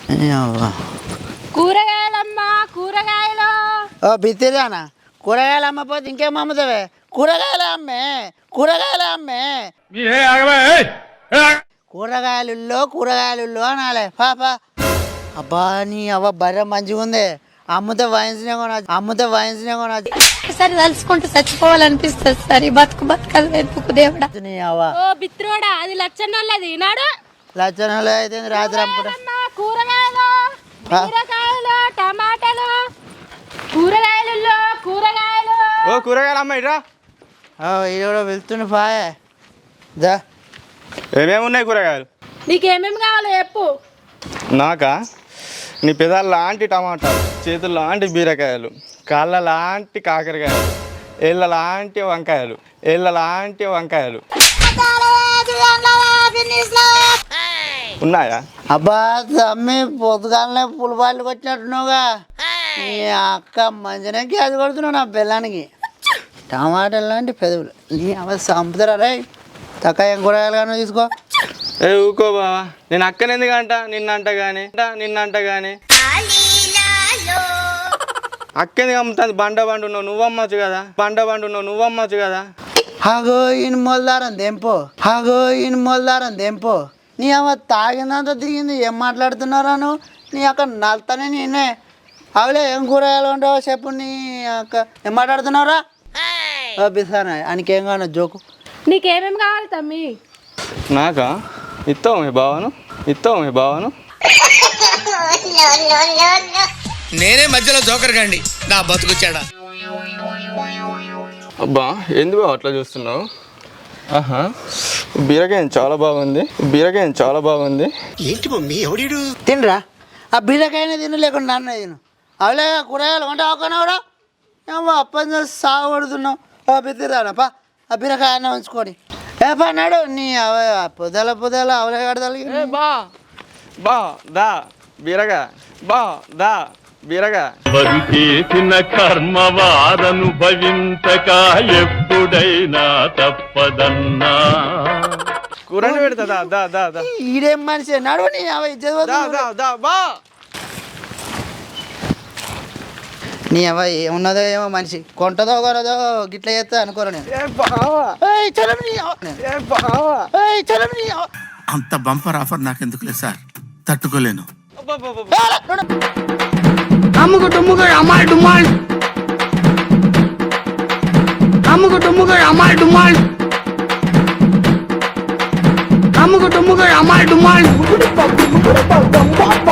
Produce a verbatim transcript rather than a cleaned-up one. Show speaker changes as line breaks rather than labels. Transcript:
కూరగాయలమ్మా కూరగాయలు.
ఓ బిత్తిదానా, కూరగాయలు అమ్మపోతే ఇంకేం అమ్ముతావే? కూరగాయలు అమ్మే, కూరగాయలు అమ్మే, కూరగాయలుల్లో కూరగాయలుల్లో అనాలే పాపా. అబ్బా నీ అవ్వ బర్రె మంచిగా ఉంది, అమ్ముతే వయసునే కొనచ్చు, అమ్ముతే వయసునే కొనచ్చు.
సరే తలుచుకుంటూ చచ్చిపోవాలనిపిస్తుంది సార్. ఈ బతుకు బతకదు వెతుకు దేవుడా.
నీ అవ్వ
ఓ బిత్రోడా, అది లచ్చన్నోళ్ళది నాడు.
లచ్చనలో అయితే రాత్రి అమ్ముకుంటా.
కూరగాయలు, బీరకాయలు, టమాటాలు, కూరగాయలు కూరగాయలు.
ఓ కూరగాయలు అమ్మాయి రా.
ఇది కూడా వెళ్తుండే పాయే దా.
ఏమేమి ఉన్నాయి కూరగాయలు?
నీకేమేమి కావాలో చెప్పు.
నాకా నీ పెదాలు లాంటి టమాటాలు, చేతులు లాంటి బీరకాయలు, కాళ్ళ లాంటి కాకరకాయలు, ఏళ్ళ లాంటి వంకాయలు, ఏళ్ళ లాంటి వంకాయలు ఉన్నాయా?
అబ్బా తమ్మి పొద్దుగాలనే పులిపాళ్ళు వచ్చినట్టున్నావుగా. నీ అక్క మంచిగా గ్యాస్ కొడుతున్నావు నా పిల్లానికి. టమాటాలు లాంటి పెదవులు నీ అవ సంపుతారా రే. తక్కువ ఏం కూరగాయలు కానీ తీసుకో.
ఏ ఊకో బావా, నేను అక్కని ఎందుకంట నిన్నంట కానీ నిన్నంట కానీ అక్కెందుకు అమ్ముతుంది? బండ బండు ఉన్నావు నువ్వు అమ్మచ్చు కదా, బండ బండు ఉన్నావు నువ్వు అమ్మచ్చు కదా.
హాగో ఈయన మొలదారం దెంపో, హాగో ఈయన మొలదారం దెంపో. నీ అమ్మ తాగిందంతా దిగింది. ఏం మాట్లాడుతున్నారా నువ్వు? నీ అక్క నల్తానే నేనే. అవలే ఏం కూరగాయలు ఉంటావో చెప్పు. నీ అక్క ఏం మాట్లాడుతున్నావురా? బిసానా ఆయనకేం కాను జోకు.
నీకేమేమి కావాలి తమ్మి?
నాకా ఇస్తావు మీ బావను, ఇస్తావు మీ బావను.
నేనే మధ్యలో జోకర్ గండి నా బతుకుచ్చాడా.
అబ్బా ఎందుకు అట్లా చూస్తున్నావు? ఆహా బీరకాయ చాలా బాగుంది, బీరకాయ చాలా బాగుంది.
ఏంటి మమ్మీ ఎవడీడు?
తినరా ఆ బీరకాయనే తిను, లేకుండా నాన్న తిను. అవలే కూరగాయలు వంట అవకనవరా. ఏమో అప్పని చేసి సాగు పడుతున్నావు. ఓ బిత్తిరానప్పా ఆ బీరకాయనే ఉంచుకొని ఏ పన్నాడు నీ అవ పొదల పొదల అవలే కడతాలి.
బా బా దా బీరగా, బా దా బీరగా.
చేసిన కర్మ వారనుభవించక ఎప్పుడైనా తప్పదన్నా.
కూరని పెడతా దా దా దా దా.
ఈడేం మనిషి నడువు నీ అవ
దా దా దా బా.
నీ అవ ఏమున్నదో ఏమో మనిషి, కొంటదో కొనదో గిట్ల చేస్తా అనుకోరా నేను.
అంత బంపర్ ఆఫర్ నాకెందుకులే సార్, తట్టుకోలేను.
అమ్ముకు టుమ్ముకు అమ్మాయి డుమ్మాల్, అమ్ముకు టుమ్ముకు అమ్మాయి డుమ్మాల్, అమ్ముకు టుమ్ముకు అమ్మాయి డుమ్మాల్.